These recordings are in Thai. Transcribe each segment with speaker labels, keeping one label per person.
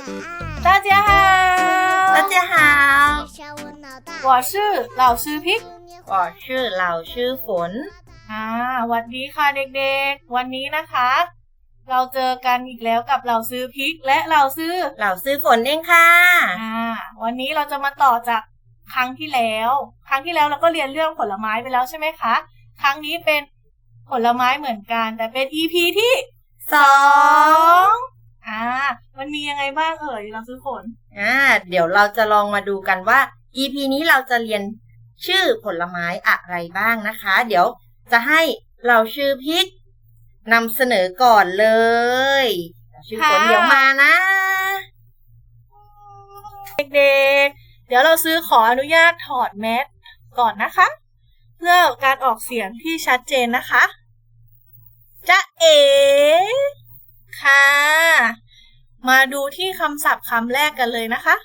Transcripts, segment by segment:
Speaker 1: 大家好，
Speaker 2: 大家好，
Speaker 1: 我是老师พิก
Speaker 2: 我是老师ฝน
Speaker 1: สวัสดีค่ะเด็กๆวันนี้นะคะเราเจอกันอีกแล้วกับเหล่าซื้อพริกและเหล่าซื้อ
Speaker 2: ฝนเองค่ะ
Speaker 1: วันนี้เราจะมาต่อจากครั้งที่แล้วเราก็เรียนเรื่องผลไม้ไปแล้วใช่ไหมคะครั้งนี้เป็นผลไม้เหมือนกันแต่เป็น EP ที่2มันมียังไงบ้างเราซื้อฝน
Speaker 2: เดี๋ยวเราจะลองมาดูกันว่า EP นี้เราจะเรียนชื่อผลไม้อะไรบ้างนะคะเดี๋ยวจะให้เราชื่อพริกนำเสนอก่อนเลยชื่อฝนเดี๋ยวมานะ
Speaker 1: เด็กๆเดี๋ยวเราซื้อขออนุญาตถอดแมสก่อนนะคะเพื่อการออกเสียงที่ชัดเจนนะคะจ๊ะเอ๋ค่ะมาดูที่คำศัพท์คำแรกกันเลยนะคะ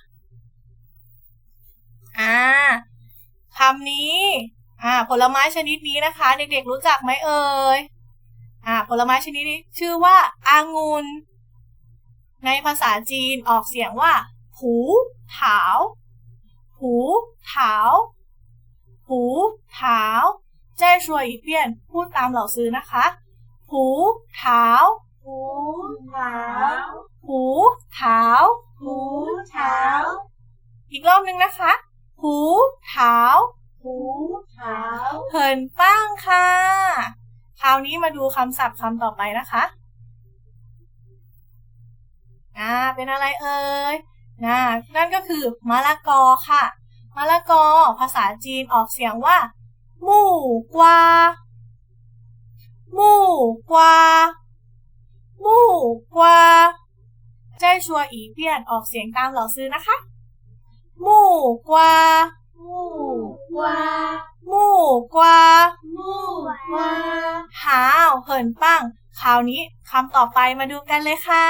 Speaker 1: คำนี้ผลไม้ชนิดนี้นะคะเด็กๆรู้จักไหมเอ่ยผลไม้ชนิดนี้ชื่อว่าองุ่นในภาษาจีนออกเสียงว่าผูเถาผูเถาผูเถา再说一遍พูดตามเหล่าซื้อนะคะผูเถาผูเถาผูเถาผูเถาอีกรอบนึงนะคะผูเถาผูเถาเหินป้างค่ะคราวนี้มาดูคำศัพท์คำต่อไปนะคะเป็นอะไรเอ่ยนั่นก็คือมะละกอค่ะมะละกอภาษาจีนออกเสียงว่ามู่กวามู่กวามู่กวาใจชัวอีเปียนออกเสียงตามเหล่าซื้อนะคะมู่กวามู่กวามู่กวามู่กวาหาวเหินปังคราวนี้คำต่อไปมาดูกันเลยค่ะ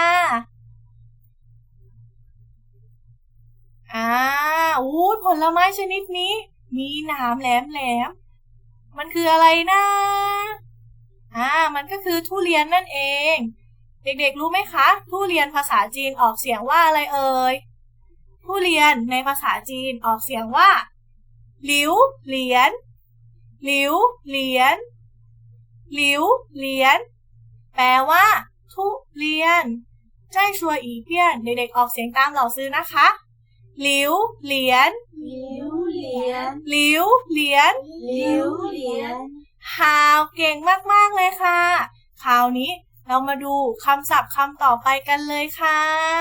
Speaker 1: ผลไม้ชนิดนี้มีหนามแหลมมันคืออะไรนะมันก็คือทุเรียนนั่นเองเด็กๆรู้ไหมคะทุเรียนภาษาจีนออกเสียงว่าอะไรเอ่ยทุเรียนในภาษาจีนออกเสียงว่าหลิวเหลียนหลิวเหลียนหลิวเหลียนแปลว่าทุเรียนใจชัวอีเพี้ยนเด็กๆออกเสียงตามเหล่าซื้อนะคะหลิวเหลียนหลิวเหลียนหลิวเหลียนหลิวเหลียนเก่งมากๆเลยค่ะคราวนี้เรามาดูคำศัพท์คำต่อไปกันเลยค่ะ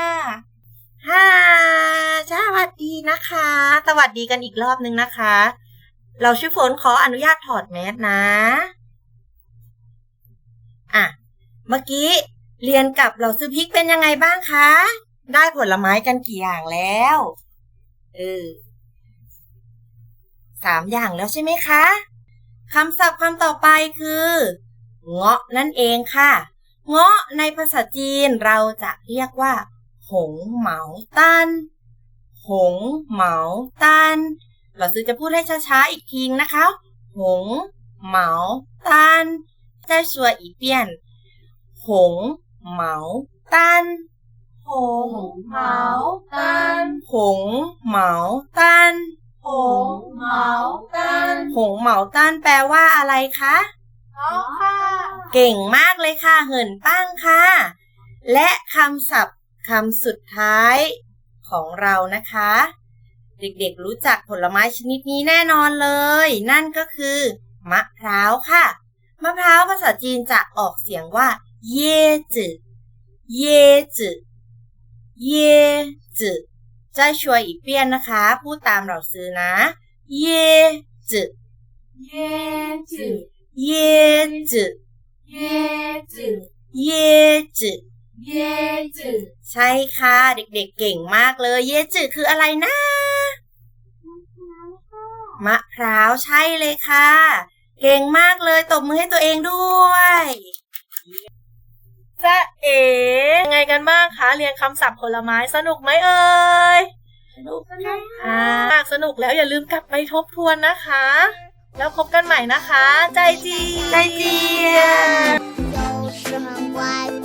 Speaker 2: สวัสดีนะคะสวัสดีกันอีกรอบนึงนะคะเราชื่อฝนขออนุญาตถอดแมสนะเมื่อกี้เรียนกับเราซื้อพริกเป็นยังไงบ้างคะได้ผลไม้กันกี่อย่างแล้ว3 อย่างแล้วใช่ไหมคะคำศัพท์คำต่อไปคือเงาะนั่นเองค่ะเงาะในภาษาจีนเราจะเรียกว่าหงเหมาตันหงเหมาตันเราซื้อจะพูดให้ช้าๆอีกทีนะคะหงเหมาตัน再说一遍หงเหมาตันหงเหมาตันหงเหมาตันหงเหมาตันหงเหมาตันแปลว่าอะไรคะ
Speaker 1: ค่ะ
Speaker 2: เก่งมากเลยค่ะเหินปั้งค่ะและคำศัพท์คำสุดท้ายของเรานะคะเด็กๆรู้จักผลไม้ชนิดนี้แน่นอนเลยนั่นก็คือมะพร้าวค่ะมะพร้าวภาษาจีนจะออกเสียงว่าเย่จื่อเย่จื่อเย่จื่อ再说一遍นะคะพูดตามเราซื้อนะเย่จื่อ
Speaker 1: เย่จื่อ
Speaker 2: เย่จื่อ
Speaker 1: เย่จื่อ
Speaker 2: เย่จื่อ
Speaker 1: เย่จื่อ
Speaker 2: ใช่ค่ะเด็กๆเก่งมากเลยเย่จื่อคืออะไรนะมะพร้าวใช่เลยค่ะเก่งมากเลยตบมือให้ตัวเองด้วย
Speaker 1: จ๊ะเอ๋ยังไงกันบ้างคะเรียนคำศัพท์ผลไม้สนุกไหมเอ่ย
Speaker 2: สนุกค่ะ
Speaker 1: สนุกแล้วอย่าลืมกลับไปทบทวนนะคะแล้วพบกันใหม่นะคะใจเจีย